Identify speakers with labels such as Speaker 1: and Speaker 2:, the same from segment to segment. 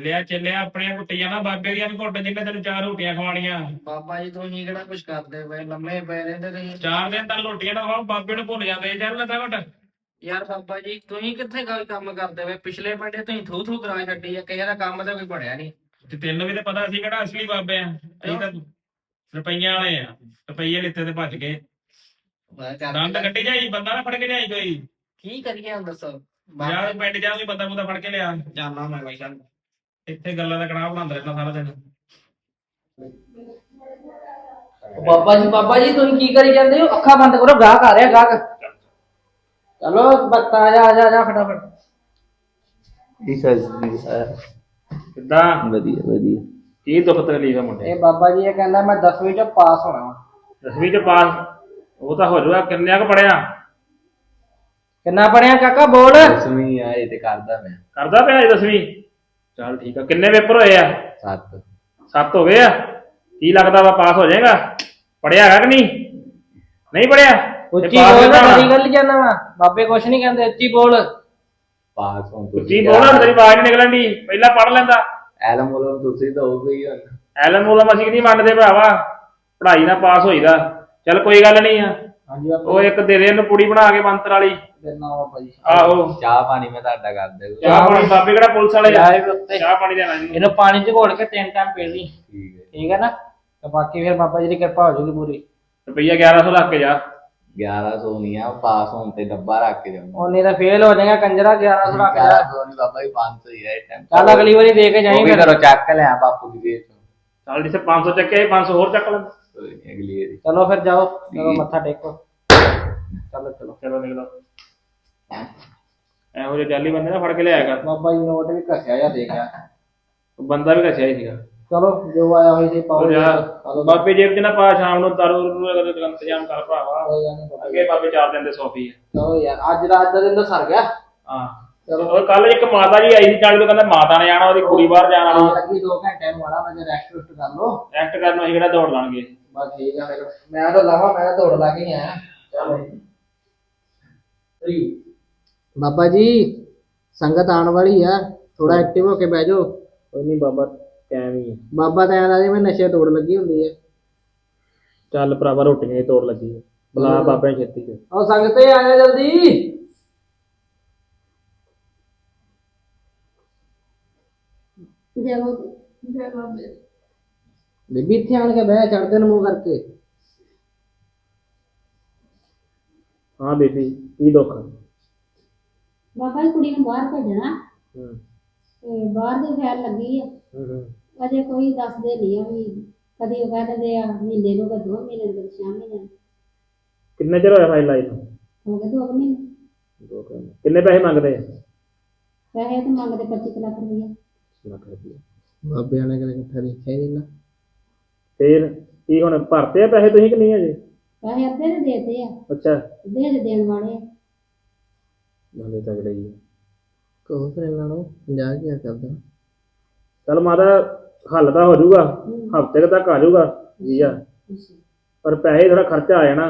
Speaker 1: ਚੱਲਿਆ ਆਪਣੀਆਂ ਕੁੱਟੀਆਂ ਨਾ ਬਾਬੇ ਦੀਆਂ ਵੀ ਘੁੱਟ ਜਿੰਨੇ ਤੈਨੂੰ 4 ਰੋਟੀਆਂ ਖਵਾਣੀਆਂ।
Speaker 2: ਬਾਬਾ ਜੀ ਤੁਸੀਂ ਕਿਹੜਾ ਕੁਝ ਕਰਦੇ ਪਏ, ਲੰਮੇ ਪਏ ਰਹਿੰਦੇ ਤੁਸੀਂ।
Speaker 1: 4 ਦਿਨ ਤੱਕ ਰੋਟੀਆਂ ਨਾ ਖਾਓ ਬਾਬੇ ਨੂੰ ਭੁੱਲ ਜਾਂਦੇ। ਚੱਲ ਲੱਗਾ ਘੁੱਟ।
Speaker 2: ਯਾਰ ਬਾਬਾ ਜੀ ਤੁਸੀਂ ਕਿੱਥੇ ਕੋਈ ਕੰਮ ਕਰਦੇ ਪਏ, ਪਿਛਲੇ ਬੰਦੇ ਤੁਸੀਂ ਥੂ ਥੂ ਕਰਾ ਛੱਡੀ ਆ, ਕਿਸੇ ਦਾ ਕੰਮ ਤਾਂ ਕੋਈ ਬਣਿਆ ਨਹੀਂ।
Speaker 1: ਤੇ ਤੈਨੂੰ ਵੀ ਤਾਂ ਪਤਾ ਸੀ ਕਿਹੜਾ ਅਸਲੀ ਬਾਬੇ ਆ, ਅਸੀਂ ਤਾਂ ਰੁਪਈਆਂ ਵਾਲੇ ਆ। ਰੁਪਈਏ ਲਿੱਤੇ ਤੇ ਭੱਜ ਗਏ। ਦੰਦ ਕੱਢੀ ਜਾਈ, ਬੰਦਾ ਨਾ ਫੜ ਕੇ ਲਿਆਈ ਕੋਈ।
Speaker 2: ਕੀ ਕਰੀਏ ਹੁਣ ਦੱਸੋ।
Speaker 1: ਯਾਰ ਪਿੰਡ ਜਾ ਕੋਈ ਬੰਦਾ ਬੁੰਦਾ ਫੜ ਕੇ ਲਿਆ।
Speaker 2: ਜਾਨਾ ਮੈਂ ਬਾਈ ਚੱਲ।
Speaker 1: ਇੱਥੇ ਗੱਲਾਂ ਦਾ ਕੜਾਹ ਬਣਾਉਂਦਾ ਰਹਿੰਦਾ ਸਾਰਾ ਦਿਨ।
Speaker 3: ਬਾਬਾ ਜੀ ਤੁਸੀਂ ਕੀ ਕਰੀ ਜਾਂਦੇ ਹੋ? ਅੱਖਾਂ ਬੰਦ ਕਰੋ, ਗਾਹਕ ਆ ਰਿਹਾ ਗਾਹਕ। ਚਲੋ ਬੱਤਾ ਆ ਜਾ ਫਟਾਫਟ।
Speaker 1: ਕਿੱਦਾਂ?
Speaker 4: ਵਧੀਆ
Speaker 1: ਕੀ ਦੁੱਖ ਤਕਲੀਫ ਆ ਮੁੰਡੇ?
Speaker 3: ਇਹ ਬਾਬਾ ਜੀ ਇਹ ਕਹਿੰਦਾ ਮੈਂ 10ਵੀਂ ਚ ਪਾਸ ਹੋਣਾ ਵਾ।
Speaker 1: 10ਵੀਂ ਚ ਪਾਸ? ਉਹ ਤਾਂ ਹੋ ਜਾਊਗਾ। ਕਿੰਨਿਆਂ ਕੁ ਪੜਿਆ?
Speaker 3: ਕਿੰਨਾ ਪੜਿਆ ਕਾਕਾ ਬੋਲ।
Speaker 4: 10ਵੀਂ ਆ ਇਹ ਤੇ ਕਰਦਾ ਮੈਂ।
Speaker 1: ਕਰਦਾ ਪਿਆ 10ਵੀਂ? ਚੱਲ ਠੀਕ ਆ। ਕਿੰਨੇ ਪੇਪਰ ਹੋਏ ਆ?
Speaker 4: 7
Speaker 1: 7 ਹੋ ਗਏ ਆ। ਕੀ ਲੱਗਦਾ ਵਾ ਪਾਸ ਹੋ ਜਾਏਗਾ? ਪੜਿਆ ਹੈਗਾ ਕਿ ਨਹੀਂ? ਨਹੀਂ ਪੜਿਆ?
Speaker 3: ਉੱਚੀ ਬੋਲ, ਬੜੀ ਗੱਲ ਜਾਨਾ ਵਾ। ਬਾਬੇ ਕੁਛ ਨਹੀਂ ਕਹਿੰਦੇ, ਉੱਚੀ ਬੋਲ।
Speaker 4: ਪਾਸ ਹੋਣ
Speaker 1: ਉੱਚੀ ਬੋਲ, ਤੇਰੀ ਆਵਾਜ਼ ਨਹੀਂ ਨਿਕਲਣ ਦੀ। ਪਹਿਲਾਂ ਪੜ ਲੈਂਦਾ।
Speaker 4: ਐਲਮ ਬੋਲੋ ਤੁਸੀਂ ਤਾਂ ਹੋ ਗਈ ਹੁਣ।
Speaker 1: ਐਲਨ ਮੂਲਮ ਅਸੀਂ ਨਹੀਂ ਮੰਨਦੇ ਭਰਾਵਾ। ਪੜ੍ਹਾਈ ਨਾਲ ਪਾਸ ਹੋਈਦਾ। ਚੱਲ ਕੋਈ ਗੱਲ ਨਹੀਂ ਆ।
Speaker 3: ਹਾਂਜੀ
Speaker 1: ਉਹ ਇੱਕ ਦੇ ਦੇ ਇਹਨੂੰ ਪੁੜੀ ਬਣਾ ਕੇ ਮੰਤਰ ਵਾਲੀ।
Speaker 3: ਦੇਣਾ ਬਾਬਾ ਜੀ।
Speaker 1: ਆਹੋ
Speaker 4: ਚਾਹ ਪਾਣੀ ਮੈਂ ਤੁਹਾਡਾ ਕਰ ਦੇ।
Speaker 1: ਚਾਹ ਪਾਣੀ? ਬਾਬੇ ਕਿਹੜਾ ਪੁਲਿਸ ਵਾਲੇ ਆ? ਚਾਹ ਪਾਣੀ ਦੇਣਾ ਜੀ।
Speaker 3: ਇਹਨੂੰ ਪਾਣੀ ਚ ਘੋਲ ਕੇ 3 ਟਾਈਮ ਪੀ ਲਈ,
Speaker 4: ਠੀਕ ਹੈ
Speaker 3: ਠੀਕ ਹੈ ਨਾ? ਤੇ ਬਾਕੀ ਫਿਰ ਬਾਬਾ ਜੀ ਦੀ ਕਿਰਪਾ ਹੋ ਜਾਊਗੀ ਪੂਰੀ।
Speaker 1: ਰੁਪਈਆ 1100 ਰੱਖ ਕੇ ਜਾ।
Speaker 4: 1100 ਨਹੀਂ ਆ, ਪਾਸ ਹੋਣ ਤੇ ਡੱਬਾ ਰੱਖ ਕੇ ਜਾਊਂਗਾ।
Speaker 3: ਉਹਨੇ ਤਾਂ ਫੇਲ ਹੋ ਜਾਏਗਾ ਕੰਜਰਾ। 1100 ਰੱਖ ਜਾ।
Speaker 4: 1100 ਨਹੀਂ ਬਾਬਾ ਜੀ 500 ਹੀ ਹੈ ਇਸ ਟਾਈਮ।
Speaker 3: ਚੱਲ ਅਗਲੀ ਵਾਰੀ ਦੇ ਕੇ ਜਾਈਂ ਫਿਰ।
Speaker 4: ਕਰੋ ਚੱਕ ਲਿਆ ਬਾਪੂ ਦੀ ਜੇਬ ਚੋਂ।
Speaker 1: ਚੱਲ ਜਿੱਥੇ 500 ਚੱਕੇ 500 ਹੋਰ ਚੱਕ ਲੈ।
Speaker 4: ਕੋਈ ਨਹੀਂ ਅਗਲੀ ਵਾਰੀ।
Speaker 3: ਚਲੋ ਫਿਰ ਜਾਓ, ਚਲੋ ਮੱਥਾ ਟੇਕੋ। ਚਲੋ
Speaker 1: ਚਲੋ ਨਿਕਲੋ। ਇਹੋ ਜਿਹੇ ਜਾਲੀ ਬੰਦੇ ਨਾ ਫੜ ਕੇ ਲਿਆਇਆ ਕਰ।
Speaker 3: ਬਾਬਾ ਜੀ ਨੋਟ ਵੀ ਘਸਿਆ ਜਾਂ ਦੇ ਗਿਆ।
Speaker 1: ਬੰਦਾ ਵੀ ਘਸਿਆ ਹੀ ਸੀਗਾ।
Speaker 3: ਚਲੋ ਜੋ ਆਇਆ ਹੋਈ ਸੀ ਪਾਓ।
Speaker 1: ਬਾਬੇ ਜੇਬ ਚ ਨਾ ਪਾ, ਸ਼ਾਮ ਨੂੰ ਦਾਰੂ ਦਾ ਇੰਤਜ਼ਾਮ ਕਰ ਭਰਾਵਾ। ਅੱਗੇ ਬਾਬੇ 4 ਦਿਨ ਦੇ ਸੌਫੀ ਆ।
Speaker 3: ਚਲੋ ਯਾਰ ਅੱਜ ਦਾ ਦਿਨ ਤਾਂ ਸਰ ਗਿਆ।
Speaker 1: ਹਾਂ ਚਲੋ। ਕੱਲ ਇੱਕ ਮਾਤਾ ਜੀ ਆਈ ਸੀ ਚਾਲੀ ਤੋਂ, ਕਹਿੰਦਾ ਮਾਤਾ ਨੇ ਆਣਾ, ਉਹਦੀ ਕੁੜੀ ਬਾਹਰ ਜਾਣ ਵਾਲੀ
Speaker 3: ਲੱਗੀ 2 ਘੰਟੇ ਨੂੰ ਆਣਾ। ਮੈਂ ਰੈਸਟ ਕਰ ਲਓ।
Speaker 1: ਰੈਸਟ ਕਰਨ ਨੂੰ ਅਸੀਂ ਕਿਹੜਾ ਦੌੜ ਲਾਂਗੇ।
Speaker 3: ਬਸ ਠੀਕ ਆ। ਫਿਰ ਮੈਂ ਤਾਂ ਲਾਵਾ, ਮੈਂ ਦੌੜ ਲਾ ਕੇ ਹੀ ਆਇਆ। ਚਲੋ ਬਾਬਾ ਜੀ ਸੰਗਤ ਆਉਣ ਵਾਲੀ ਆ, ਥੋੜਾ ਐਕਟਿਵ ਹੋ ਕੇ ਬਹਿ ਜਾਓ।
Speaker 1: ਕੋਈ ਨਹੀਂ ਬਾਬਾ, ਟਾਈਮ ਹੀ ਹੈ।
Speaker 3: ਬਾਬਾ ਤਾਂ ਐਂ ਜਿਵੇਂ ਨਸ਼ੇ ਤੋੜ ਲੱਗੀ ਹੁੰਦੀ ਹੈ।
Speaker 1: ਚੱਲ ਭਰਾਵਾ ਰੋਟੀਆਂ ਦੀ ਤੋੜ ਲੱਗੀ ਹੈ। ਬੁਲਾ ਬਾਬੇ ਨੂੰ ਛੇਤੀ ਚ।
Speaker 3: ਆਓ ਸੰਗਤੇ ਆ ਜਾ ਜਲਦੀ। ਬੀਬੀ ਇੱਥੇ ਆਣ ਕੇ ਬਹਿ, ਚੜਦੇ ਨੂੰ ਮੂੰਹ ਕਰਕੇ।
Speaker 1: ਹਾਂ ਬੇਬੀ ਕੀ ਦੁੱਖ?
Speaker 5: ਬਾਬਾ ਜੀ ਕੁੜੀ ਨੂੰ ਬਾਹਰ ਭੇਜਣਾ
Speaker 1: ਹੂੰ
Speaker 5: ਤੇ ਬਾਹਰ ਦੀ ਫੈਲ ਲੱਗੀ ਆ। ਅਜੇ ਕੋਈ ਦੱਸਦੇ ਨਹੀਂ ਆ ਵੀ ਕਦੀ ਉਹ ਕਹਿ ਦਿੰਦੇ ਆ ਮਹੀਨੇ ਨੂੰ, ਕਦੇ 2 ਮਹੀਨੇ ਨੂੰ, ਕਦੇ 6 ਮਹੀਨੇ ਨੂੰ।
Speaker 1: ਕਿੰਨੇ ਚਿਰ ਹੋਇਆ ਫਾਈਲ ਲਾਈ ਨੂੰ?
Speaker 5: ਹੋ ਗਏ 2 ਮਹੀਨੇ।
Speaker 1: ਕਿੰਨੇ ਪੈਸੇ ਮੰਗਦੇ ਆ?
Speaker 5: ਪੈਸੇ ਤਾਂ ਮੰਗਦੇ 25 ਲੱਖ ਰੁਪਇਆ।
Speaker 1: ਲੱਖ ਰੁਪਏ।
Speaker 3: ਬਾਬਿਆਂ ਨੇ ਕਦੇ ਇਕੱਠਾ ਦੇਖਿਆ ਹੀ ਨਹੀਂ ਨਾ।
Speaker 1: ਫੇਰ ਕੀ ਹੁਣ ਭਰਤੇ ਆ ਪੈਸੇ ਤੁਸੀਂ ਕਿ ਨਹੀਂ ਅਜੇ?
Speaker 5: ਪੈਸੇ ਅੱਧੇ ਦੇ ਦੇਤੇ ਆ,
Speaker 1: ਅੱਛਾ
Speaker 5: ਅੱਧੇ ਦੇ ਦੇਣ ਵਾਲੇ ਆ।
Speaker 1: ਬੰਦੇ ਤਗੜੇ ਹੀ ਆ।
Speaker 3: ਕਹੋ ਫਿਰ ਇਹਨਾਂ ਨੂੰ 50,000 ਕਰ ਦੇਣਾ।
Speaker 1: ਚੱਲ ਮਾਤਾ ਹੱਲ ਤਾਂ ਹੋ ਜਾਊਗਾ, ਹਫ਼ਤੇ ਤੱਕ ਆ ਜਾਊਗਾ ਵੀਜ਼ਾ, ਪਰ ਪੈਸੇ ਥੋੜਾ ਖਰਚਾ ਆ ਜਾਣਾ।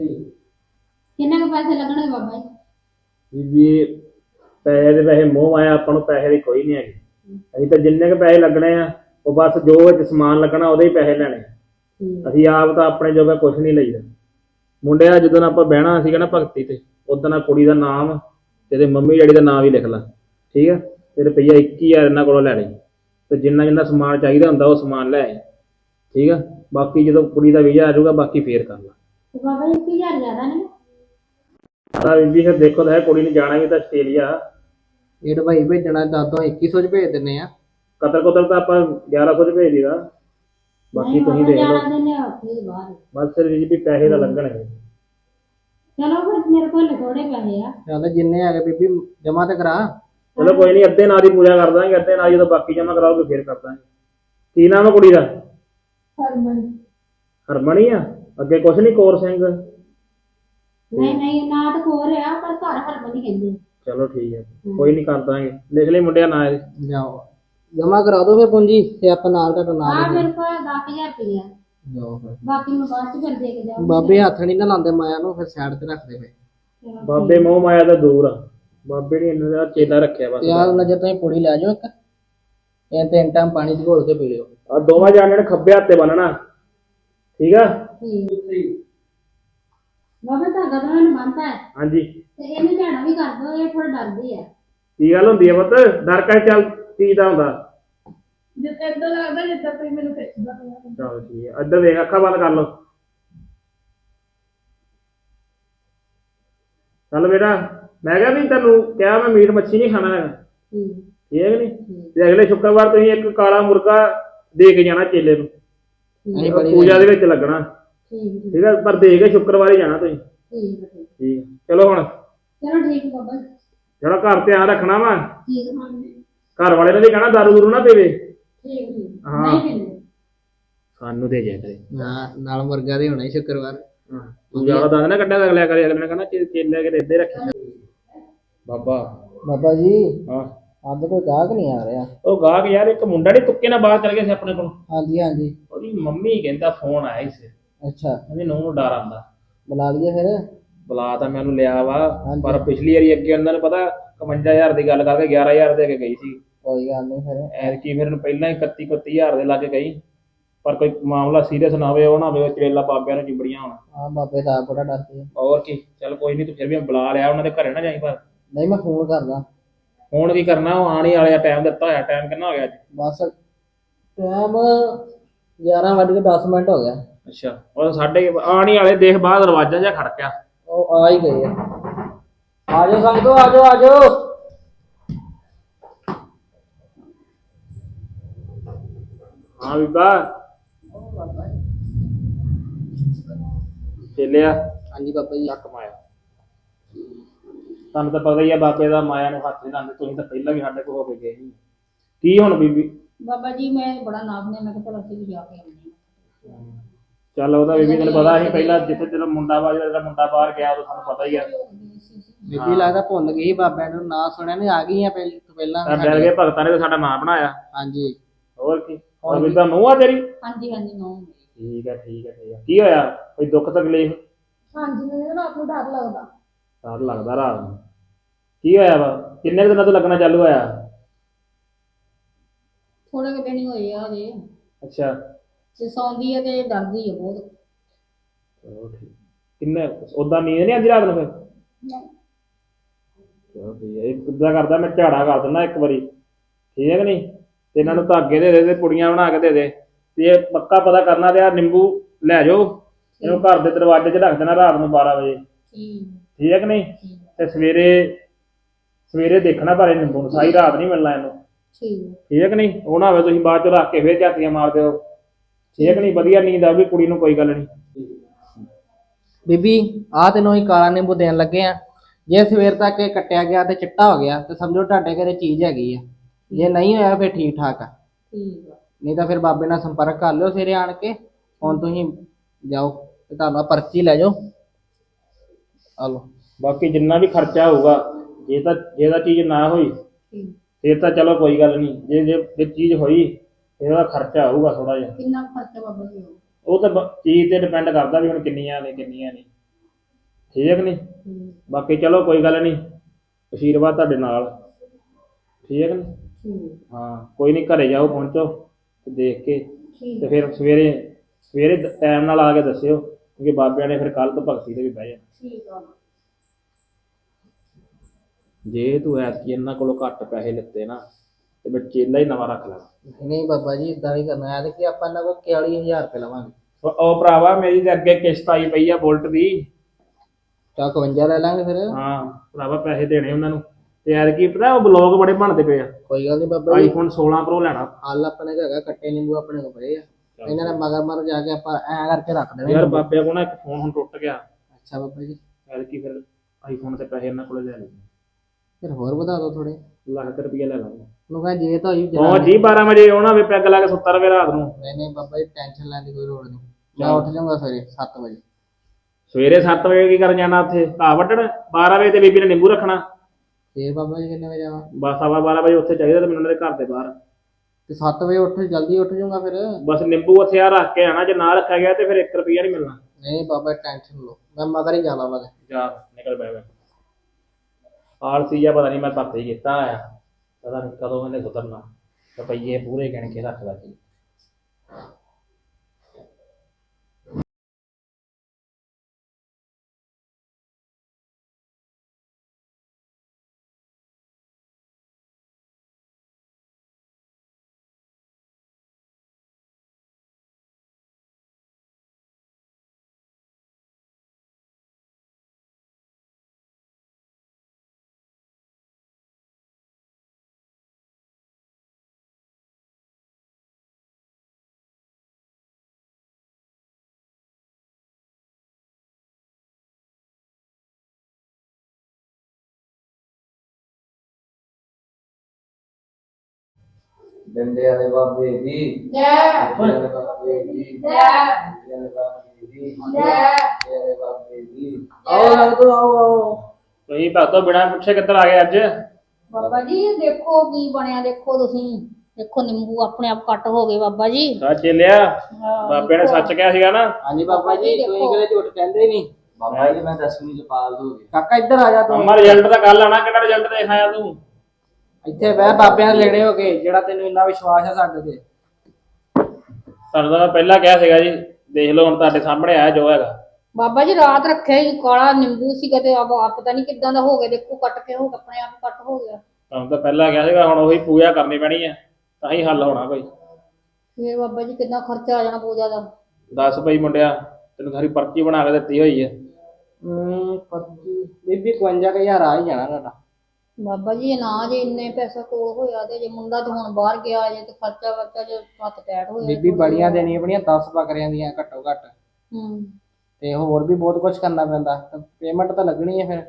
Speaker 5: ਕਿੰਨੇ ਕੁ ਪੈਸੇ ਲੱਗਣਗੇ ਬਾਬਾ ਜੀ?
Speaker 1: ਬੀਬੀ ਪੈਸੇ ਦੇ ਪੈਸੇ ਮੋਹ ਆਇਆ, ਆਪਾਂ ਨੂੰ ਪੈਸੇ ਦੀ ਕੋਈ ਨਹੀਂ ਹੈਗੀ। ਅਸੀਂ ਤਾਂ ਜਿੰਨੇ ਕੁ ਪੈਸੇ ਲੱਗਣੇ ਆ ਉਹ ਬਸ ਜੋ ਵਿੱਚ ਸਮਾਨ ਲੱਗਣਾ ਉਹਦੇ ਹੀ ਪੈਸੇ ਲੈਣੇ। ਅਸੀਂ ਆਪ ਤਾਂ ਆਪਣੇ ਜੋਗਾ ਕੁਛ ਨਹੀਂ ਲਈਦਾ। ਮੁੰਡਿਆ ਜਦੋਂ ਆਪਾਂ ਬਹਿਣਾ ਸੀਗਾ ਨਾ ਭਗਤੀ ਤੇ, ਉਦੋਂ ਨਾ ਕੁੜੀ ਦਾ ਨਾਮ ਤੇ ਮੰਮੀ ਡੈਡੀ ਦਾ ਨਾਮ ਵੀ ਲਿਖ ਲਾ, ਠੀਕ ਆ? ਤੇ ਰੁਪਈਆ 21,000 ਇਹਨਾਂ ਕੋਲੋਂ ਲੈ ਲਈ, ਤੇ ਜਿੰਨਾ ਜਿੰਨਾ ਸਮਾਨ ਚਾਹੀਦਾ ਹੁੰਦਾ ਉਹ ਸਮਾਨ ਲੈ ਆਏ, ਠੀਕ ਆ? ਬਾਕੀ ਜਦੋਂ ਕੁੜੀ ਦਾ ਵੀਜ਼ਾ ਆ ਜਾਊਗਾ ਬਾਕੀ ਫੇਰ ਕਰ ਲਾ।
Speaker 5: ਬਾਬਾ ਜੀ 21,000 ਜ਼ਿਆਦਾ ਨਹੀਂ?
Speaker 1: ਤਾਂ ਬੀਬੀ ਫਿਰ ਦੇਖੋ ਤਾਂ ਹੈ, ਕੁੜੀ ਨੇ ਜਾਣਾ ਵੀ ਤਾਂ ਆਸਟ੍ਰੇਲੀਆ।
Speaker 3: ਇਹ ਢਾਈ ਭੇਜਣਾ, ਦਾਦੋਂ 2100 ਚ ਭੇਜ ਦਿੰਨੇ ਆ।
Speaker 1: ਕਤਰ ਕੁਤਰ ਤਾਂ ਆਪਾਂ 1100 ਚ ਭੇਜ ਦੀਦਾ, ਬਾਕੀ ਤੁਸੀਂ ਦੇਖ ਲਓ। ਬਸ ਫਿਰ ਵੀ ਪੈਸੇ ਤਾਂ ਲੱਗਣਗੇ।
Speaker 5: ਚਲੋ ਫਿਰ ਮੇਰੇ ਕੋਲ ਥੋੜੇ ਪੈਸੇ ਆ।
Speaker 3: ਚੱਲ ਜਿੰਨੇ ਹੈਗੇ ਬੀਬੀ ਜਮਾ ਤੇ ਕਰਾ।
Speaker 1: ਚਲੋ ਕੋਈ ਨਹੀਂ, ਅੱਧੇ ਨਾਂ ਦੀ ਪੂਜਾ ਕਰ ਦਾਂਗੇ, ਅੱਧੇ ਨਾਂ ਜਦੋਂ ਬਾਕੀ ਜਮਾ ਕਰਾਓਗੇ ਫੇਰ ਕਰ ਦਾਂਗੇ। ਕੀ ਨਾਮ ਹੈ ਕੁੜੀ ਦਾ?
Speaker 5: ਹਰਮਨ।
Speaker 1: ਹਰਮਨ ਹੀ ਆ? ਅੱਗੇ ਕੁਛ ਨਹੀਂ? ਕੌਰ ਸਿੰਘ?
Speaker 5: ਨਹੀਂ ਨਾ ਤਾਂ ਕੋਰ ਆ, ਪਰ ਘਰ ਹਰਮਨ ਹੀ ਕਹਿੰਦੇ।
Speaker 1: ਚਲੋ ਠੀਕ ਹੈ, ਕੋਈ ਨਹੀਂ ਕਰ ਦਾਂਗੇ। ਲਿਖ ਲਈ ਮੁੰਡਿਆ ਨਾਂ ਇਹਦੇ।
Speaker 3: ਜਾਓ ਜਮਾ ਕਰਾ ਦੋ ਫਿਰ ਪੂੰਜੀ, ਤੇ ਆਪਾਂ ਨਾਲ ਤੁਹਾਡਾ ਨਾਮ
Speaker 5: ਆ ਮੇਰੇ ਕੋਲ 10,000 ਰੁਪਇਆ।
Speaker 3: ਜਾਓ ਫਿਰ।
Speaker 5: ਬਾਕੀ ਮੈਂ ਬਾਅਦ ਚ ਫਿਰ ਦੇ ਕੇ ਜਾਊਂਗੀ।
Speaker 3: ਬਾਬੇ ਹੱਥ ਨਹੀਂ ਨਾ ਲਾਉਂਦੇ ਮਾਇਆ ਨੂੰ, ਫਿਰ ਸਾਈਡ ਤੇ ਰੱਖਦੇ ਪਏ।
Speaker 1: ਬਾਬੇ ਮੋਹ ਮਾਇਆ ਦਾ ਦੂਰ ਆ, ਬਾਬੇ ਨੇ ਇਹਨਾਂ ਦਾ ਚੇਲਾ ਰੱਖਿਆ ਬਸ।
Speaker 3: ਯਾਰ ਨਜ਼ਰ ਤਾਂ ਪੁੜੀ ਲੈ ਜਾਓ ਇੱਕ। ਇਹ 3 ਟਾਈਮ ਪਾਣੀ ਚ ਘੋਲ ਕੇ ਪੀ ਲਿਓ।
Speaker 1: ਆ ਦੋਵਾਂ ਜਾਣਿਆਂ ਨੇ ਖੱਬੇ ਹੱਥੇ ਬੰਨਣਾ, ਠੀਕ ਆ?
Speaker 5: ਠੀਕ ਬਾਬਾ ਧਾਗਾ ਤਾਂ ਉਹਨੇ ਬੰਨ੍ਹਤਾ ਹੈ
Speaker 1: ਹਾਂਜੀ।
Speaker 5: ਤੇ ਇਹਨੂੰ ਝਾੜਾ ਵੀ ਕਰ ਦੋ, ਇਹ ਥੋੜਾ ਡਰਦੀ ਆ।
Speaker 1: ਕੀ ਗੱਲ ਹੁੰਦੀ ਆ ਪੁੱਤ, ਡਰ ਕੇ ਚੱਲ ਕੀ ਦਾ ਹੁੰਦਾ?
Speaker 5: ਜਿੱਦਾਂ ਇਦਾਂ ਲੱਗਦਾ ਜਿੱਦਾਂ ਤੁਸੀਂ ਮੈਨੂੰ ਖਿੱਚਦਾ ਪਿਆ।
Speaker 1: ਚਲੋ ਠੀਕ ਆ, ਇੱਧਰ ਵੇਖ, ਅੱਖਾਂ ਬੰਦ ਕਰ ਲਓ। ਚੱਲ ਬੇਟਾ, ਮੈਂ ਕਿਹਾ ਵੀ ਤੈਨੂੰ ਕਿਹਾ ਮੈਂ ਮੀਟ ਮੱਛੀ ਨਹੀਂ ਖਾਣਾ ਹੈਗਾ, ਠੀਕ ਹੈ ਕਿ ਨਹੀਂ? ਤੇ ਅਗਲੇ ਸ਼ੁੱਕਰਵਾਰ ਤੁਸੀਂ ਇੱਕ ਕਾਲਾ ਮੁਰਗਾ ਦੇ ਕੇ ਜਾਣਾ ਚੇਲੇ ਨੂੰ, ਪੂਜਾ ਦੇ ਵਿੱਚ ਲੱਗਣਾ, ਠੀਕ ਹੈ? ਪਰ ਦੇ ਕੇ ਸ਼ੁੱਕਰਵਾਰ ਹੀ ਜਾਣਾ ਤੁਸੀਂ। ਠੀਕ ਹੈ, ਚਲੋ ਹੁਣ
Speaker 5: ਚਲੋ ਠੀਕ ਹੈ ਬਾਬਾ ਜੀ।
Speaker 1: ਚਲੋ ਘਰ ਧਿਆਨ ਰੱਖਣਾ ਵਾ,
Speaker 5: ਠੀਕ ਹੈ
Speaker 1: ਘਰ ਵਾਲੇ ਨੇ ਵੀ ਕਹਿਣਾ ਦਾਰੂ ਦੂਰੂ ਨਾ ਪੀਵੇ।
Speaker 5: ਠੀਕ
Speaker 1: ਹਾਂ।
Speaker 5: ਨਹੀਂ ਪੀਂਦੇ।
Speaker 1: ਸਾਨੂੰ ਦੇ ਜਾਇਆ ਕਰੇ।
Speaker 3: ਨਾਲ ਮੁਰਗਾ ਦੇ ਹੋਣਾ ਹੀ ਸ਼ੁੱਕਰਵਾਰ।
Speaker 1: ਪੂਜਾ ਵਾਲਾ ਦੰਦ ਨਾ ਕੱਢਿਆ ਅਗਲਿਆ ਕਰੇ, ਅਗਲੇ ਨੇ ਕਹਿਣਾ ਚੇਲੇ ਕਿਤੇ ਇੱਦੇ ਰੱਖੇ।
Speaker 3: ਬਾਬਾ ਜੀ
Speaker 1: ਹਾਂ,
Speaker 3: ਅੱਜ ਕੋਈ ਗਾਹਕ ਨਹੀਂ ਆ ਰਿਹਾ।
Speaker 1: ਉਹ ਗਾਹਕ ਯਾਰ ਇੱਕ ਮੁੰਡਾ ਨੀ ਤੁੱਕੇ ਨਾਲ ਬਾਹਰ ਚਲ ਗਿਆ ਸੀ ਆਪਣੇ ਕੋਲ।
Speaker 3: ਹਾਂਜੀ ਹਾਂਜੀ।
Speaker 1: ਉਹਦੀ ਮੰਮੀ ਕਹਿੰਦਾ ਫੋਨ ਆਇਆ ਇਸ,
Speaker 3: ਅੱਛਾ,
Speaker 1: ਕਹਿੰਦੀ ਨੂੰਹ ਨੂੰ ਡਰ ਆਉਂਦਾ।
Speaker 3: ਬੁਲਾ ਲਈਏ ਫਿਰ।
Speaker 1: ਬੁਲਾ ਤਾਂ ਮੈਂ ਉਹਨੂੰ ਲਿਆ ਵਾ, ਪਰ ਪਿਛਲੀ ਵਾਰੀ ਅੱਗੇ ਉਹਨਾਂ ਨੂੰ ਪਤਾ 51,000 ਦੀ ਗੱਲ ਕਰਕੇ 11,000 ਦੇ ਕੇ ਗਈ ਸੀ।
Speaker 3: ਕੋਈ ਗੱਲ ਨਹੀਂ ਫਿਰ
Speaker 1: ਐਤਕੀ ਫਿਰ ਨੂੰ ਪਹਿਲਾਂ ਹੀ 31,000 ਦੇ ਲੱਗ ਗਈ, ਪਰ ਕੋਈ ਮਾਮਲਾ ਸੀਰੀਅਸ ਨਾ ਹੋਵੇ, ਉਹ ਨਾ ਹੋਵੇ ਚੜੇਲਾ ਬਾਬਿਆਂ ਨੂੰ ਚਿੰਬੜੀਆਂ ਹੋਣ।
Speaker 3: ਹਾਂ, ਬਾਬੇ ਦਾ ਬੜਾ ਡਰਦੇ ਆ।
Speaker 1: ਹੋਰ ਕੀ, ਚੱਲ ਕੋਈ ਨਹੀਂ, ਤੂੰ ਫਿਰ ਵੀ ਬੁਲਾ ਲਿਆ, ਉਹਨਾਂ ਦੇ ਘਰੇ ਨਾ ਜਾਈ। ਪਰ
Speaker 3: ਨਹੀਂ, ਮੈਂ ਫੋਨ ਕਰਦਾ।
Speaker 1: ਹੁਣ ਕੀ ਕਰਨਾ, ਉਹ ਆਉਣ ਹੀ ਵਾਲੇ ਟਾਈਮ ਦਿੱਤਾ ਹੋਇਆ। ਟਾਈਮ ਕਿੰਨਾ ਹੋ ਗਿਆ ਅੱਜ?
Speaker 3: ਬਸ ਟਾਈਮ 11:10 ਹੋ ਗਿਆ।
Speaker 1: ਅੱਛਾ, ਉਹ ਸਾਡੇ ਆਉਣ ਹੀ ਵਾਲੇ, ਦੇਖ ਬਾਹਰ ਦਰਵਾਜ਼ਾ ਜਿਹਾ ਖੜਕਿਆ।
Speaker 3: ਉਹ ਆ ਹੀ ਗਏ ਆ। ਆ ਜਾਓ ਸੰਗਤੋ, ਆ ਜਾਓ ਆ ਜਾਓ।
Speaker 1: ਹਾਂ ਬੀਬਾ, ਚੱਲਿਆ।
Speaker 3: ਹਾਂਜੀ ਬਾਬਾ ਜੀ।
Speaker 1: ਲੱਕ ਮਾਇਆ, ਤੁਹਾਨੂੰ ਤਾਂ ਪਤਾ ਹੀ ਆ ਬਾਬੇ ਦਾ, ਮਾਇਆ ਨੂੰ ਹੱਥ ਨਹੀਂ ਲਾਉਂਦੇ। ਤੁਸੀਂ ਤਾਂ ਪਹਿਲਾਂ ਵੀ ਸਾਡੇ ਕੋਲ ਹੋ ਕੇ ਗਏ ਸੀ। ਕੀ ਹੁਣ ਬੀਬੀ?
Speaker 5: ਬਾਬਾ ਜੀ ਮੈਂ ਬੜਾ ਨਾਮ ਨੇ, ਮੈਂ ਕਿਹਾ ਚਲੋ ਅਸੀਂ ਵੀ ਜਾ ਕੇ ਆਉਂਦੇ ਹਾਂ।
Speaker 1: ਚੱਲ ਉਹਦਾ ਬੀਬੀ ਤੈਨੂੰ ਪਤਾ ਸੀ ਪਹਿਲਾਂ, ਜਿੱਥੇ ਤੇਰਾ ਮੁੰਡਾ ਵਾ, ਜਿਹੜਾ ਮੁੰਡਾ ਬਾਹਰ ਗਿਆ, ਉਹ ਤੁਹਾਨੂੰ ਪਤਾ ਹੀ ਆ।
Speaker 3: ਬੀਬੀ ਲੱਗਦਾ ਭੁੱਲ ਗਈ, ਬਾਬਿਆਂ ਨੂੰ ਨਾਂ ਸੁਣਿਆ ਨਹੀਂ, ਆ ਗਈਆਂ ਪਹਿਲਾਂ।
Speaker 1: ਤਾਂ ਡਰ ਗਏ ਭਗਤਾਂ ਨੇ ਤਾਂ ਸਾਡਾ ਨਾਂ ਬਣਾਇਆ।
Speaker 3: ਹਾਂਜੀ।
Speaker 1: ਹੋਰ ਕੀ, ਹੁਣ ਬੀਬਾ ਨੂੰਹ ਆ ਤੇਰੀ?
Speaker 5: ਹਾਂਜੀ ਹਾਂਜੀ ਨੋ।
Speaker 1: ਠੀਕ ਹੈ ਠੀਕ ਹੈ ਠੀਕ ਹੈ। ਕੀ ਹੋਇਆ, ਕੋਈ ਦੁੱਖ ਤਕਲੀਫ?
Speaker 5: ਹਾਂਜੀ ਮੈਨੂੰ ਰਾਤ ਨੂੰ ਡਰ ਲੱਗਦਾ।
Speaker 1: ਡਰ ਲੱਗਦਾ ਰਾਤ ਨੂੰ? ਕੀ ਹੋਇਆ ਵਾ, ਕਿੰਨੇ ਕੁ ਦਿਨਾਂ ਤੋਂ ਲੱਗਣਾ ਚਾਲੂ ਹੋਇਆ?
Speaker 5: ਥੋੜੇ ਕੁ ਦਿਨ ਹੀ ਹੋਏ ਆ ਹਜੇ।
Speaker 1: ਅੱਛਾ,
Speaker 5: ਜੇ ਸੌਂਦੀ ਹੈ ਤੇ ਡਰਦੀ ਹੈ ਬਹੁਤ।
Speaker 1: ਚਲੋ ਠੀਕ। ਕਿੰਨੇ ਉਦਾਂ ਨੀਂਦ ਨਹੀਂ ਆਉਂਦੀ ਰਾਤ ਨੂੰ ਫਿਰ? ਚਲੋ ਠੀਕ ਹੈ, ਕਿੱਦਾਂ ਕਰਦਾ, ਮੈਂ ਝਾੜਾ ਕਰ ਦਿੰਦਾ ਇੱਕ ਵਾਰੀ, ਠੀਕ ਹੈ ਕਿ ਨਹੀਂ? ਤੇ ਇਹਨਾਂ ਨੂੰ ਧਾਗੇ ਦੇ ਦੇ ਤੇ ਪੁੜੀਆਂ ਬਣਾ ਕੇ ਦੇ ਦੇ, ਤੇ ਇਹ ਪੱਕਾ ਪਤਾ ਕਰਨਾ ਤੇ ਆ ਨਿੰਬੂ ਲੈ ਜਾਓ, ਇਹਨੂੰ ਘਰ ਦੇ ਦਰਵਾਜ਼ੇ 'ਚ ਰੱਖ ਦੇਣਾ ਰਾਤ ਨੂੰ 12 ਵਜੇ, ਠੀਕ ਹੈ ਕਿ ਨਹੀਂ? ਤੇ ਸਵੇਰੇ ਦੇਖਣਾ ਪਰ ਇਹ ਨਿੰਬੂ ਨੂੰ, ਸਾਰੀ ਰਾਤ ਨਹੀਂ ਮਿਲਣਾ ਇਹਨੂੰ, ਠੀਕ ਹੈ ਕਿ ਨਹੀਂ? ਉਹ ਨਾ ਹੋਵੇ ਤੁਸੀਂ ਬਾਅਦ 'ਚ ਰੱਖ ਕੇ ਫਿਰ ਝਾਤੀਆਂ ਮਾਰ ਦਿਓ, ਠੀਕ ਹੈ ਕਿ ਨਹੀਂ? ਵਧੀਆ ਨੀਂਦ ਆਊਗੀ ਕੁੜੀ ਨੂੰ, ਕੋਈ ਗੱਲ ਨਹੀਂ।
Speaker 3: ਬੀਬੀ ਆ ਤੈਨੂੰ ਹੀ ਕਾਲਾ ਨਿੰਬੂ ਦੇਣ ਲੱਗੇ ਆ। ਜੇ ਸਵੇਰ ਤੱਕ ਇਹ ਕੱਟਿਆ ਗਿਆ ਤੇ ਚਿੱਟਾ ਹੋ ਗਿਆ ਤੇ ਸਮਝੋ ਤੁਹਾਡੇ ਘਰੇ ਚੀਜ਼ ਹੈਗੀ ਆ। ਜੇ ਨਹੀਂ ਹੋਇਆ ਫਿਰ ਠੀਕ ਠਾਕ ਆ, ਨਹੀਂ ਤਾਂ ਫਿਰ ਬਾਬੇ ਨਾਲ ਸੰਪਰਕ ਕਰ ਲਿਓ ਸਵੇਰੇ ਆਣ ਕੇ। ਹੁਣ ਤੁਸੀਂ ਜਾਓ ਤੇ ਤੁਹਾਨੂੰ ਪਰਚੀ ਲੈ ਜਾਓ, ਆ ਲਓ।
Speaker 1: ਬਾਕੀ ਜਿੰਨਾ ਵੀ ਖਰਚਾ ਹੋਊਗਾ, ਜੇ ਤਾਂ ਚੀਜ਼ ਨਾ ਹੋਈ ਫਿਰ ਤਾਂ ਚਲੋ ਕੋਈ ਗੱਲ ਨਹੀਂ, ਜੇ ਚੀਜ਼ ਹੋਈ ਇਹਦਾ ਖਰਚਾ ਆਊਗਾ ਥੋੜਾ ਜਿਹਾ।
Speaker 5: ਕਿੰਨਾ ਖਰਚਾ ਬਾਬਾ ਜੀ?
Speaker 1: ਉਹ ਤਾਂ ਚੀਜ਼ ਤੇ ਡਿਪੈਂਡ ਕਰਦਾ ਵੀ ਹੁਣ ਕਿੰਨੀਆਂ ਨੇ ਠੀਕ ਹੈ ਕਿ ਨਹੀਂ? ਬਾਕੀ ਚਲੋ ਕੋਈ ਗੱਲ ਨਹੀਂ, ਆਸ਼ੀਰਵਾਦ ਤੁਹਾਡੇ ਨਾਲ, ਠੀਕ ਹੈ ਕਿ ਨਹੀਂ? ਹਾਂ ਕੋਈ ਨਹੀਂ, ਘਰੇ ਜਾਓ, ਪਹੁੰਚੋ ਤੇ ਦੇਖ ਕੇ ਤੇ ਫਿਰ ਸਵੇਰੇ ਟਾਈਮ ਨਾਲ ਆ ਕੇ ਦੱਸਿਓ, ਕਿਉਂਕਿ ਬਾਬਿਆਂ ਨੇ ਫਿਰ ਕੱਲ ਤੋਂ ਭਗਤੀ ਤੇ ਵੀ ਬਹਿ ਜਾਣਾ। ਜੇ ਤੂੰ ਐਤਕੀ ਇਹਨਾਂ ਕੋਲੋਂ ਘੱਟ ਪੈਸੇ ਲਿੱਤੇ ਨਾ ਤੇ ਮੈਂ ਚੇਲਾ ਹੀ ਨਵਾਂ ਰੱਖ ਲੈਣਾ।
Speaker 3: ਨਹੀਂ ਬਾਬਾ ਜੀ, ਇਦਾਂ ਨਹੀਂ ਕਰਨਾ ਹੈ ਕਿ ਆਪਾਂ ਇਹਨਾਂ ਕੋਲ 41,000 ਰੁਪਏ ਲਵਾਂਗੇ।
Speaker 1: ਉਹ ਭਰਾਵਾ ਮੇਰੀ ਤੇ ਅੱਗੇ ਕਿਸ਼ਤ ਆਈ ਪਈ ਆ ਬੁਲਟ ਦੀ,
Speaker 3: ਤਾਂ 51 ਲੈ ਲਾਂਗੇ ਫਿਰ।
Speaker 1: ਹਾਂ ਭਰਾਵਾ, ਪੈਸੇ ਦੇਣੇ ਉਹਨਾਂ ਨੂੰ। ਤੇ ਐਤਕੀ ਪਤਾ ਉਹ ਬਲੌਗ ਬੜੇ ਬਣਦੇ ਪਏ ਆ।
Speaker 3: ਕੋਈ ਗੱਲ ਨਹੀਂ ਬਾਬਾ ਜੀ,
Speaker 1: ਆਈਫੋਨ 16 Pro ਲੈਣਾ।
Speaker 3: ਹੱਲ ਆਪਣੇ ਕੋਲ ਹੈਗਾ, ਕੱਟੇ ਨਿੰਬੂ ਆਪਣੇ ਕੋਲ ਪਏ ਆ। ਇਹਨਾਂ ਨੇ ਮਗਰ ਜਾ ਕੇ ਆਪਾਂ ਐ ਕਰਕੇ ਰੱਖ ਦੇਣੇ।
Speaker 1: ਯਾਰ ਬਾਬਿਆਂ ਕੋਲ ਨਾ ਇੱਕ ਫੋਨ ਹੁਣ ਟੁੱਟ ਗਿਆ।
Speaker 3: ਅੱਛਾ ਬਾਬਾ ਜੀ।
Speaker 1: ਐਤਕੀ ਫਿਰ ਆਈਫੋਨ ਤੇ ਪੈਸੇ ਇਹਨਾਂ ਕੋਲੇ ਲੈ ਲਏ,
Speaker 3: ਫਿਰ ਹੋਰ ਵਧਾ ਦਿਓ ਥੋੜੇ,
Speaker 1: ਲੱਖ ਰੁਪਏ ਲੈ ਲਾਂਗੇ।
Speaker 3: ਉਹਨੂੰ ਕਹਾਂ ਜੇ ਤਾਂ ਹੋਈ
Speaker 1: ਉਹ ਜੀ 12 ਵਜੇ ਆਉਣਾ ਵੇ, ਪੈਗ ਲਾ ਕੇ ਸੁੱਤਾ ਰਵੇ ਰਾਤ ਨੂੰ।
Speaker 3: ਨਹੀਂ ਬਾਬਾ ਜੀ, ਟੈਨਸ਼ਨ ਲੈਣ ਦੀ ਕੋਈ ਲੋੜ ਨਹੀਂ। ਮੈਂ ਉੱਠ ਜਾਊਂਗਾ ਸਵੇਰੇ 7 ਵਜੇ।
Speaker 1: ਸਵੇਰੇ 7 ਵਜੇ ਕੀ ਕਰਨ ਜਾਣਾ ਉੱਥੇ? ਘਾਹ ਵੱਢਣ? 12 ਵਜੇ ਤੇ ਬੀਬੀ ਨੇ ਨਿੰਬੂ ਰੱਖਣਾ।
Speaker 3: ਫੇਰ ਬਾਬਾ ਜੀ ਕਿੰਨੇ ਵਜੇ ਜਾਵਾਂ?
Speaker 1: ਬਸ 12:15 ਵਜੇ ਉੱਥੇ ਚਾਹੀਦਾ ਤੇ ਮੈਨੂੰ ਉਹਨਾਂ ਦੇ ਘਰ ਦੇ ਬਾਹਰ।
Speaker 3: ਤੇ 7 ਵਜੇ ਉੱਠ ਜਲਦੀ ਉੱਠ ਜਾਊਂਗਾ ਫਿਰ।
Speaker 1: ਬਸ ਨਿੰਬੂ ਉੱਥੇ ਆ ਰੱਖ ਕੇ ਆਣਾ, ਜੇ ਨਾ ਰੱਖਿਆ ਗਿਆ ਤੇ ਫਿਰ 1 ਰੁਪਿਆ ਨਹੀਂ ਮਿਲਣਾ।
Speaker 3: ਨਹੀਂ ਬਾਬਾ ਟੈਨਸ਼ਨ ਲਓ, ਮੈਂ ਮਗਰ ਹੀ ਜਾਣਾ ਵਾ।
Speaker 1: ਜਾ ਨਿਕਲ ਬੈ ਆਲਸੀ ਜਾਂ ਪਤਾ ਨਹੀਂ, ਮੈਂ ਭਰਤੀ ਕੀਤਾ ਆਇਆ, ਪਤਾ ਨਹੀਂ ਕਦੋਂ ਇਹਨੇ ਸੁਧਰਨਾ। ਰੁਪਈਏ ਪੂਰੇ ਗਿਣ ਕੇ ਰੱਖ ਲਾ ਜੀ।
Speaker 4: ਡੰਡੇ ਵਾਲੇ ਬਾਬੇ ਦੀ
Speaker 5: ਜੈ
Speaker 4: ਡੰਡੇ ਵਾਲੇ ਬਾਬੇ ਦੀ
Speaker 5: ਜੈ
Speaker 4: ਡੰਡੇ ਵਾਲੇ ਬਾਬੇ ਦੀ
Speaker 5: ਜੈ
Speaker 4: ਡੰਡੇ ਵਾਲੇ ਬਾਬੇ ਦੀ
Speaker 3: ਆਓ ਲੱਗੋ ਆਓ।
Speaker 1: ਤੁਸੀਂ ਭਗਤੋ ਬਿਨਾਂ ਪੁੱਛੇ ਕਿੱਧਰ ਆ ਗਏ ਅੱਜ?
Speaker 5: ਬਾਬਾ ਜੀ ਦੇਖੋ ਕੀ ਬਣਿਆ, ਦੇਖੋ ਤੁਸੀਂ ਦੇਖੋ ਨਿੰਬੂ ਆਪਣੇ ਆਪ ਕੱਟ ਹੋ ਗਏ ਬਾਬਾ ਜੀ।
Speaker 1: ਸੱਚ ਲਿਆ, ਬਾਬੇ ਨੇ ਸੱਚ ਕਿਹਾ ਸੀਗਾ ਨਾ।
Speaker 3: ਹਾਂਜੀ ਬਾਬਾ ਜੀ ਤੁਸੀਂ ਕਿਹੜੇ ਝੂਠ ਕਹਿੰਦੇ ਨਹੀਂ।
Speaker 4: ਬਾਬਾ ਜੀ ਮੈਂ 10ਵੀਂ ਚ ਪਾਸ ਹੋ ਗਿਆ।
Speaker 3: ਕਾਕਾ ਇੱਧਰ ਆ ਜਾ ਤੂੰ।
Speaker 1: ਅੰਮਾ ਰਿਜ਼ਲਟ ਤਾਂ ਕੱਲ ਆਣਾ, ਕਿਹੜਾ ਰਿਜ਼ਲਟ ਦੇਖ ਆਇਆ ਤੂੰ?
Speaker 3: ਇੱਥੇ ਬਹਿ, ਬਾਬਿਆਂ ਦੇ ਲੈਣੇ ਹੋ ਗਏ, ਜਿਹੜਾ ਤੈਨੂੰ ਇੰਨਾ ਵਿਸ਼ਵਾਸ ਹੈ ਸਾਡੇ ਤੇ।
Speaker 1: ਤੁਹਾਨੂੰ ਤਾਂ ਮੈਂ ਪਹਿਲਾਂ ਕਿਹਾ ਸੀਗਾ ਜੀ, ਦੇਖ ਲਓ ਹੁਣ ਤੁਹਾਡੇ ਸਾਹਮਣੇ ਆਇਆ ਜੋ ਹੈਗਾ।
Speaker 5: ਬਾਬਾ ਜੀ ਰਾਤ ਰੱਖਿਆ ਸੀ, ਕਾਲਾ ਨਿੰਬੂ ਸੀਗਾ ਤੇ ਆਪ ਪਤਾ ਨਹੀਂ ਕਿੱਦਾਂ ਦਾ ਹੋ ਗਿਆ, ਦੇਖੋ ਕੱਟ ਕੇ ਹੋ ਆਪਣੇ ਆਪ ਕੱਟ ਹੋ ਗਿਆ।
Speaker 1: ਤੁਹਾਨੂੰ ਤਾਂ ਪਹਿਲਾਂ ਕਿਹਾ ਸੀਗਾ, ਹੁਣ ਉਹੀ ਪੂਜਾ ਕਰਨੀ ਪੈਣੀ ਹੈ ਤਾਂ ਹੀ ਹੱਲ ਹੋਣਾ ਕੋਈ।
Speaker 5: ਫਿਰ ਬਾਬਾ ਜੀ ਕਿੰਨਾ ਖਰਚਾ ਆ ਜਾਣਾ ਪੂਜਾ ਦਾ।
Speaker 1: ਦੱਸ ਬਈ ਮੁੰਡਿਆ, ਤੈਨੂੰ ਸਾਰੀ ਪਰਚੀ ਬਣਾ ਕੇ ਦਿੱਤੀ ਹੋਈ ਹੈ।
Speaker 3: 25 ਬੀਬੀ 52,000 ਆ ਹੀ ਜਾਣਾ ਤੁਹਾਡਾ।
Speaker 5: ਬਾਬਾ ਜੀ ਇਹ ਨਾ ਜੇ ਇੰਨੇ ਪੈਸਾ ਕੋਲ ਹੋਇਆ ਤੇ ਜੇ ਮੁੰਡਾ ਤੇ ਹੁਣ ਬਾਹਰ ਗਿਆ ਜੇ ਤੇ ਖਰਚਾ ਵਰਚਾ ਜੇ ਹੱਥ ਟੈਟ ਹੋਇਆ।
Speaker 3: ਬੀਬੀ ਬੜੀਆਂ ਦੇਣੀਆਂ ਆਪਣੀਆਂ 10 ਬੱਕਰੀਆਂ ਦੀਆਂ ਘੱਟੋ ਘੱਟ,
Speaker 5: ਹੂੰ
Speaker 3: ਤੇ ਹੋਰ ਵੀ ਬਹੁਤ ਕੁਝ ਕਰਨਾ ਪੈਂਦਾ, ਪੇਮੈਂਟ ਤਾਂ ਲੱਗਣੀ ਹੈ ਫਿਰ।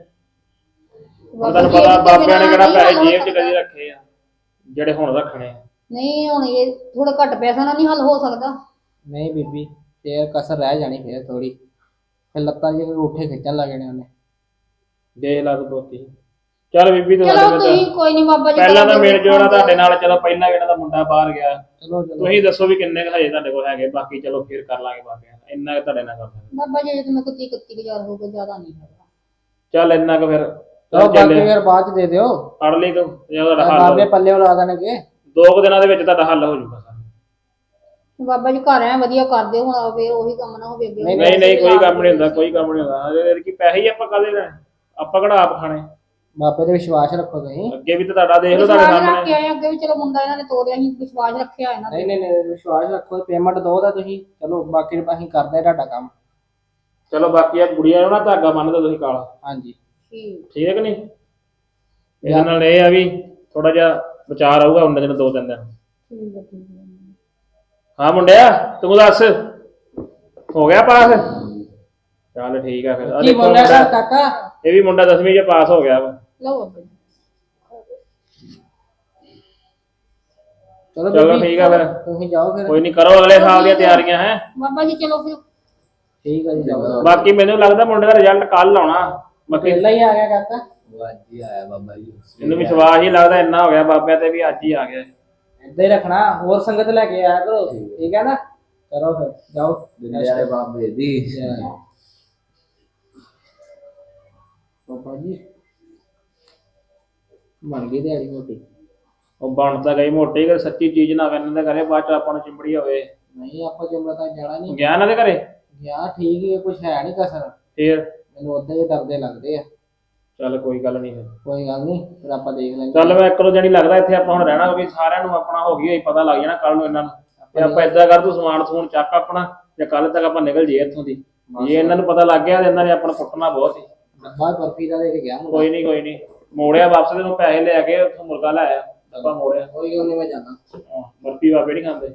Speaker 1: ਹੁਣ ਤੁਹਾਨੂੰ ਪਤਾ ਬਾਬਿਆਂ ਨੇ ਕਿਹੜਾ ਪੈਸੇ ਜੇਬ 'ਚ ਕਦੀ ਰੱਖੇ ਆ ਜਿਹੜੇ ਹੁਣ ਰੱਖਣੇ ਆ।
Speaker 5: ਨਹੀਂ ਹੁਣ ਇਹ ਥੋੜਾ ਘੱਟ ਪੈਸਾ ਨਾਲ ਨਹੀਂ ਹੱਲ ਹੋ ਸਕਦਾ।
Speaker 3: ਨਹੀਂ ਬੀਬੀ ਫੇਰ ਕਸਰ ਰਹਿ ਜਾਣੀ, ਫੇਰ ਥੋੜੀ, ਫਿਰ ਲੱਤਾਂ ਜੇ ਉੱਠੇ ਖਿੱਚਣ ਲੱਗ ਜਾਣੇ ਉਹਨੇ।
Speaker 1: ਦੇ ਲਾ ਤੂੰ ਦੋਤੀ। ਚੱਲ ਬੀਬੀ ਤੂੰ
Speaker 5: ਚਲੋ
Speaker 1: ਸਾਡੇ
Speaker 5: ਤੁਸੀਂ
Speaker 1: ਨਾਲ
Speaker 5: ਕੋਈ ਨਹੀਂ ਬਾਬਾ ਜੀ
Speaker 1: ਪਹਿਲਾਂ ਤਾਂ ਮਿਲ ਜੋਣਾ ਤੁਹਾਡੇ ਨਾਲ, ਚਲੋ ਪਹਿਲਾਂ ਇਹਨਾਂ ਦਾ ਮੁੰਡਾ ਬਾਹਰ ਗਿਆ।
Speaker 3: ਚਲੋ ਚਲੋ
Speaker 1: ਤੁਸੀਂ ਦੱਸੋ ਵੀ ਕਿੰਨੇ ਕੁ ਹਜੇ ਤੁਹਾਡੇ ਕੋਲ ਹੈਗੇ, ਬਾਕੀ ਚਲੋ ਫਿਰ ਕਰ ਲਾਂਗੇ ਬਾਬਿਆਂ ਨਾਲ। ਇੰਨਾ ਕੁ ਤੁਹਾਡੇ ਨਾਲ ਕਰ ਸਕਦੇ।
Speaker 5: ਬਾਬਾ ਜੀ ਜੇ ਮੈਂ ਕੋਈ 31,000 ਹੋ ਗਿਆ, ਜ਼ਿਆਦਾ ਨਹੀਂ ਹੈਗਾ।
Speaker 1: ਚੱਲ ਇੰਨਾ ਕੁ ਫਿਰ
Speaker 3: ਚਲੋ ਬਾਕੀ ਫਿਰ ਬਾਅਦ ਚ ਦੇ ਦਿਓ,
Speaker 1: ਫੜ ਲਈ ਤੂੰ, ਜੇ ਤੁਹਾਡਾ ਹੱਲ
Speaker 3: ਬਾਬੇ ਪੱਲੇ ਲਾ ਦੇਣਗੇ।
Speaker 1: 2 ਦਿਨਾਂ ਦੇ ਵਿੱਚ ਤੁਹਾਡਾ ਹੱਲ ਹੋ ਜਾਊਗਾ ਸਾਰਾ।
Speaker 5: ਬਾਬਾ ਜੀ ਘਰ ਐ ਵਧੀਆ ਕਰਦੇ ਹੁਣ ਫੇਰ ਉਹੀ ਕੰਮ ਨਾ ਹੋਵੇ ਅੱਗੇ।
Speaker 1: ਨਹੀਂ ਨਹੀਂ ਕੋਈ ਕੰਮ ਨਹੀਂ ਹੁੰਦਾ, ਕੋਈ ਕੰਮ ਨਹੀਂ ਹੁੰਦਾ। ਇਹ ਕੀ ਪੈਸੇ ਹੀ ਆਪਾਂ ਕਾਹਦੇ ਲੈਣੇ, ਆਪਾਂ ਕਿਹੜਾ ਆਪ ਖਾਣੇ।
Speaker 3: ਬਾਬੇ ਤੇ ਵਿਸ਼ਵਾਸ ਰੱਖੋ ਤੁਸੀਂ।
Speaker 1: ਅੱਗੇ ਵੀ ਤਾਂ ਤੁਹਾਡਾ ਦੇਖ ਲਓ ਤੁਹਾਡੇ
Speaker 5: ਵਿਸ਼ਵਾਸ ਰੱਖ
Speaker 1: ਸਾਹਮਣੇ।
Speaker 5: ਕੇ ਆਏ ਅੱਗੇ ਵੀ, ਚਲੋ ਮੁੰਡਾ ਇਹਨਾਂ ਨੇ ਤੋਰਿਆ ਸੀ, ਵਿਸ਼ਵਾਸ ਰੱਖਿਆ ਇਹਨਾਂ
Speaker 3: ਨਹੀਂ
Speaker 5: ਨੇ।
Speaker 3: ਨਹੀਂ ਨਹੀਂ ਵਿਸ਼ਵਾਸ ਰੱਖੋ, ਪੇਮੈਂਟ ਦੋ ਦਾ ਤੁਸੀਂ, ਚਲੋ ਬਾਕੀ ਅਸੀਂ ਕਰਦੇ ਤੁਹਾਡਾ ਕੰਮ।
Speaker 1: ਚਲੋ ਬਾਕੀ ਆ ਕੁੜੀਆਂ ਨੂੰ ਨਾ ਧਾਗਾ ਬੰਨ੍ਹਦਾ ਤੁਸੀਂ ਕਾਲਾ,
Speaker 5: ਠੀਕ
Speaker 1: ਠੀਕ ਹੈ ਕਿ ਨਹੀਂ? ਇਹਦੇ ਨਾਲ ਇਹ ਆ ਵੀ ਥੋੜਾ ਜਿਹਾ ਵਿਚਾਰ ਆਊਗਾ ਉਹਨਾਂ ਦਿਨ 2-3 ਦਿਨ।
Speaker 5: ਠੀਕ ਹੈ ਠੀਕ ਹੈ।
Speaker 1: ਹਾਂ ਮੁੰਡਿਆ ਤੂੰ ਦੱਸ, ਹੋ ਗਿਆ ਪਾਸ? ਚੱਲ ਠੀਕ ਆ ਫਿਰ। ਆਹ
Speaker 3: ਕੀ
Speaker 1: ਦੇਖੋ
Speaker 3: ਬੋਲਿਆ
Speaker 1: ਮੁੰਡਾ,
Speaker 3: ਸਰ ਕਾਕਾ?
Speaker 1: ਇਹ ਵੀ ਮੁੰਡਾ 10ਵੀਂ 'ਚ ਪਾਸ ਹੋ ਗਿਆ ਵਾ।
Speaker 5: ਲਓ ਬਾਬਾ ਜੀ।
Speaker 3: ਚਲੋ
Speaker 1: ਚਲੋ
Speaker 3: ਬੀਬੀ,
Speaker 1: ਠੀਕ ਆ ਫਿਰ,
Speaker 3: ਤੁਸੀਂ ਜਾਓ ਫਿਰ।
Speaker 1: ਕੋਈ ਨਹੀਂ ਕਰੋ ਅਗਲੇ ਸਾਲ ਦੀਆਂ ਤਿਆਰੀਆਂ ਹੈ।
Speaker 5: ਬਾਬਾ ਜੀ ਚਲੋ ਫਿਰ।
Speaker 3: ਠੀਕ ਹੈ ਜੀ ਜਾਓ।
Speaker 1: ਬਾਕੀ ਮੈਨੂੰ ਲੱਗਦਾ ਮੁੰਡੇ ਦਾ ਰਿਜ਼ਲਟ ਕੱਲ ਆਉਣਾ। ਬਾਕੀ
Speaker 3: ਪਹਿਲਾਂ ਹੀ ਆ ਗਿਆ ਕਾਕਾ।
Speaker 4: ਉਹ ਅੱਜ ਹੀ ਆਇਆ ਬਾਬਾ ਜੀ।
Speaker 1: ਮੈਨੂੰ ਵਿਸ਼ਵਾਸ ਹੀ ਲੱਗਦਾ ਇੰਨਾ ਹੋ ਗਿਆ ਬਾਬਿਆਂ ਤੇ ਵੀ ਅੱਜ ਹੀ ਆ ਗਿਆ।
Speaker 3: ਏਦਾਂ ਹੀ ਰੱਖਣਾ, ਹੋਰ ਸੰਗਤ ਲੈ ਕੇ ਆਇਆ ਕਰੋ, ਠੀਕ ਹੈ ਨਾ? ਚਲੋ ਫਿਰ ਜਾਓ।
Speaker 4: ਡੰਡੇ ਵਾਲੇ ਬਾਬੇ ਦੀ
Speaker 3: ਬਾਬਾ ਜੀ ਬਣ ਗਈ ਦਿਹਾੜੀ ਮੋਟੀ।
Speaker 1: ਉਹ ਬਣ ਤਾਂ ਗਈ ਮੋਟੀ, ਕਿ ਸੱਚੀ ਚੀਜ਼ ਨਾ ਕਰਨ ਦੇ ਘਰੇ ਬਾਅਦ ਚ ਆਪਾਂ ਨੂੰ ਚਿੰਬੜੀ ਹੋਵੇ।
Speaker 3: ਨਹੀਂ ਆਪਾਂ ਜੁਮਲਾ ਤਾਂ ਜਾਣਾ ਨਹੀਂ
Speaker 1: ਗਿਆ ਨਾ ਦੇ ਘਰੇ
Speaker 3: ਗਿਆ, ਠੀਕ ਹੀ ਕੁਝ ਹੈ ਨਹੀਂ ਕਸਰ,
Speaker 1: ਫੇਰ?
Speaker 3: ਮੈਨੂੰ ਉਦਾਂ ਹੀ ਡਰਦੇ ਲੱਗਦੇ ਆ।
Speaker 1: ਚੱਲ ਕੋਈ ਗੱਲ ਨਹੀਂ ਫਿਰ।
Speaker 3: ਕੋਈ ਗੱਲ ਨਹੀਂ, ਫਿਰ ਆਪਾਂ ਦੇਖ ਲੈਂਗੇ।
Speaker 1: ਚੱਲ ਮੈਂ ਇੱਕ ਦੋ ਜਣੀ ਲੱਗਦਾ ਇੱਥੇ ਆਪਾਂ ਹੁਣ ਰਹਿਣਾ, ਕਿਉਂਕਿ ਸਾਰਿਆਂ ਨੂੰ ਆਪਣਾ ਹੋ ਗਈ ਹੋਈ ਪਤਾ ਲੱਗ ਜਾਣਾ ਕੱਲ ਨੂੰ ਇਹਨਾਂ ਨੂੰ। ਤੇ ਆਪਾਂ ਏਦਾਂ ਕਰ, ਤੂੰ ਸਮਾਨ ਸਮੂਨ ਚੱਕ ਆਪਣਾ, ਤੇ ਕੱਲ ਤੱਕ ਆਪਾਂ ਨਿਕਲ ਜਾਈਏ ਇੱਥੋਂ ਦੀ। ਜੇ ਇਹਨਾਂ ਨੂੰ ਪਤਾ ਲੱਗ ਗਿਆ ਤੇ ਇਹਨਾਂ ਨੇ ਆਪਣਾ ਕੁੱਟਣਾ ਬਹੁਤ ਸੀ।
Speaker 3: ਡੱਬਾ ਬਰਫੀ ਦਾ ਦੇ ਕੇ ਗਿਆ ਮੁੰਡਾ।
Speaker 1: ਕੋਈ ਨਹੀਂ ਮੋੜਿਆ ਵਾਪਸ, ਤੈਨੂੰ ਪੈਸੇ ਲੈ ਕੇ ਉੱਥੋਂ ਮੁਰਗਾ ਲੈ ਆਇਆ, ਡੱਬਾ ਮੋੜਿਆ।
Speaker 3: ਕੋਈ ਗੱਲ ਨਹੀਂ, ਮੈਂ ਜਾਣਾ।
Speaker 1: ਬਰਫੀ ਬਾਬੇ ਨਹੀਂ ਖਾਂਦੇ।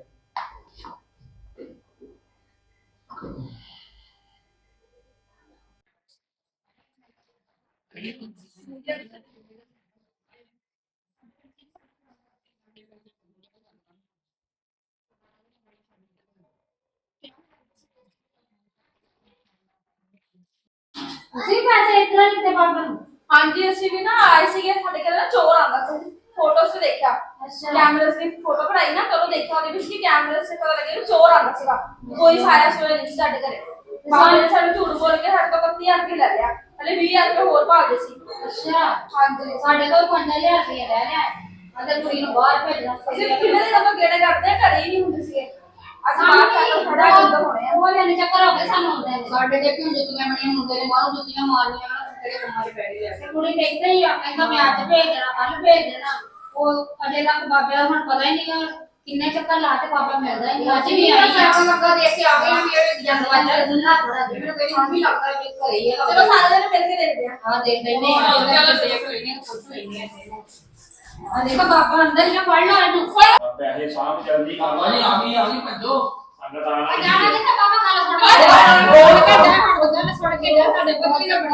Speaker 5: ਤੁਸੀਂ ਪੈਸੇ ਇਤਨਾ ਨਹੀਂ ਤੇ ਬਾਬਾ ਨੂੰ?
Speaker 6: ਹਾਂਜੀ ਅਸੀਂ ਵੀ ਨਾ ਆਏ ਸੀਗੇ, ਸਾਡੇ ਘਰ ਨਾ ਚੋਰ ਆਂਦਾ ਸੀ, ਫੋਟੋਸ ਤੇ ਦੇਖਿਆ, ਕੈਮਰੇ ਦੀ ਫੋਟੋ ਕਢਾਈ ਨਾ, ਚਲੋ ਦੇਖਿਆ ਉਹਦੇ ਵਿੱਚ ਕਿ ਕੈਮਰੇ ਸੇ ਪਤਾ ਲੱਗਿਆ ਕਿ ਚੋਰ ਆਂਦਾ ਸੀਗਾ। ਕੋਈ ਸਾਇਆ ਸੋਇਆ ਨਹੀਂ ਸੀ ਸਾਡੇ ਘਰੇ। ਬਾਬੇ ਨੇ ਸਾਨੂੰ ਝੂਠ ਬੋਲ ਕੇ ਸਾਡੇ ਤੋਂ 31,000 ਰੁਪਏ ਲੈ ਲਿਆ, ਹਲੇ 20,000 ਰੁਪਏ ਹੋਰ ਭਾਲਦੇ ਸੀ।
Speaker 5: ਅੱਛਾ
Speaker 6: ਹਾਂਜੀ
Speaker 5: ਸਾਡੇ ਕੋਲ 5000 ਰੁਪਏ ਰਹਿ ਲਿਆ। ਅਜੇ ਕੁੜੀ ਨੂੰ ਬਾਹਰ ਭੇਜਣਾ
Speaker 6: ਅਸੀਂ ਕਿੰਨੇ ਦਿਨ ਆਪਾਂ ਗੇੜੇ ਕੱਢਦੇ ਆ, ਘਰੇ ਹੀ ਨਹੀਂ ਹੁੰਦੇ ਸੀਗੇ ਅਸੀਂ ਬਾਹਰ ਸਾਈਕਲ ਖੜਾ ਕਿੱਦਾਂ ਹੋਣੇ ਆ
Speaker 5: ਉਹ ਲੈਣੇ ਚੱਕਰ ਹੋ ਗਏ ਸਾਨੂੰ ਆਉਂਦੇ ਨੇ।
Speaker 7: ਸਾਡੇ ਦੇ ਕਿਉਂ ਜੁੱਤੀਆਂ ਬਣੀਆਂ ਮੁੰਡੇ ਨੇ ਬਾਹਰੋਂ ਜੁੱਤੀਆਂ ਮਾਰਨੀਆਂ ਨਾ ਤੇਰੇ ਬਿਮਾਰੀ ਪੈ ਗਈ ਆ
Speaker 5: ਤੇ ਕੁੜੀ ਕਹਿੰਦੇ ਹੀ ਆ ਕਹਿੰਦਾ ਮੈਂ ਅੱਜ ਭੇਜ ਦੇਣਾ ਕੱਲ ਭੇਜ ਦੇਣਾ। ਉਹ ਅਜੇ ਤੱਕ ਬਾਬੇ ਦਾ ਹੁਣ ਪਤਾ ਹੀ ਨਹੀਂ ਕਿੰਨੇ ਚੱਕਰ ਲਾ ਤੇ ਬਾਬਾ ਮਿਲਦਾ ਹੀ ਨਹੀਂ। ਅੱਜ ਵੀ ਆਈ
Speaker 7: ਸਾਰਾ ਲੱਗਾ ਦੇਖ ਕੇ ਆ ਗਈ ਵੀ ਇਹ ਜਨਮ ਮੈਨੂੰ ਕੋਈ ਹੁਣ ਵੀ ਲੱਗਦਾ ਵੀ ਘਰੇ ਹੀ ਆ
Speaker 6: ਚਲੋ ਸਾਰੇ ਜਣੇ ਮਿਲ ਕੇ ਦੇਖਦੇ ਆ
Speaker 5: ਹਾਂ ਦੇਖ ਲੈਨੇ
Speaker 7: ਹਾਂ,
Speaker 5: ਆ
Speaker 7: ਚਲੋ ਦੇਖ ਲੈਨੇ ਆ, ਪੁੱਛ ਲੈਨੇ ਆ।
Speaker 5: ਆ ਦੇਖੋ ਬਾਬਾ ਅੰਦਰ ਹੀ ਫੜ ਲਾ ਇਹਨੂੰ
Speaker 1: ਪੈਸੇ ਸਾਂਭ ਜਲਦੀ ਕੰਮ
Speaker 7: ਆ ਗਈ ਭੱਜੋ
Speaker 1: ਸੰਗਤ ਆਣਾ
Speaker 5: ਜਾਣਾ ਕਿੱਥੇ ਬਾਬਾ ਕਾਲਾ ਛੋੜ ਕੇ ਗੱਲ ਛੋੜ ਕੇ ਜਾ ਤੁਹਾਡੇ ਬੱਚੀ ਦਾ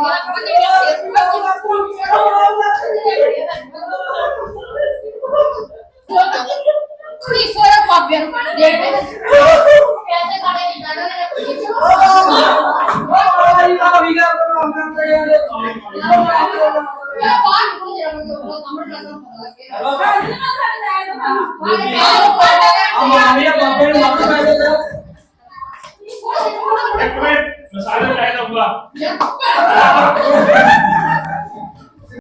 Speaker 7: ਕੁੜੀ ਸੋਇਆ ਬਾਬਿਆਂ ਨੂੰ ਦੇਖ ਲੈ
Speaker 5: ਪੈਸੇ ਕਾੜੇ ਨਹੀਂ
Speaker 7: ਬਾਹਰ ਨੂੰ ਜਰਾ ਮੈਂ ਸਾਹਮਣੇ ਲੱਗਾ
Speaker 6: ਸਾਰੇ ਜਣੇ ਸਾਡੇ ਨਾਲ
Speaker 1: ਇੱਕ ਮਿੰਟ ਮਸਾਲਾ ਚਾਹੀਦਾ ਹੋਊਗਾ